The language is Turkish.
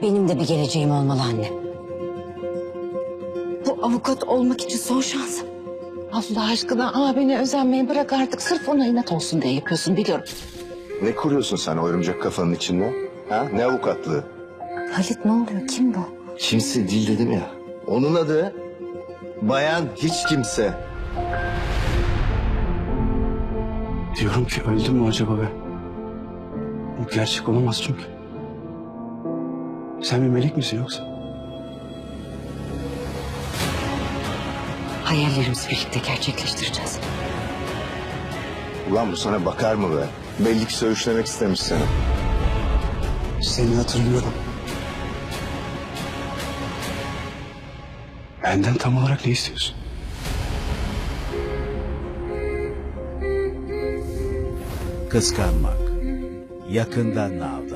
Benim de bir geleceğim olmalı anne. Bu avukat olmak için son şansım. Allah aşkına abine özenmeyi bırak artık. Sırf ona inat olsun diye yapıyorsun biliyorum. Ne kuruyorsun sen o örümcek kafanın içinde? Ha? Ne avukatlığı? Halit ne oluyor? Kim bu? Kimse değil dedim ya. Onun adı Bayan Hiç Kimse. Diyorum ki öldü mü acaba be? Bu gerçek olamaz çünkü. Sen bir melek misin yoksa? Hayallerimizi birlikte gerçekleştireceğiz. Ulan bu sana bakar mı be? Belli ki söğüşlemek istemiş seni. Seni hatırlıyorum. Benden tam olarak ne istiyorsun? Kıskanmak. Yakında Now.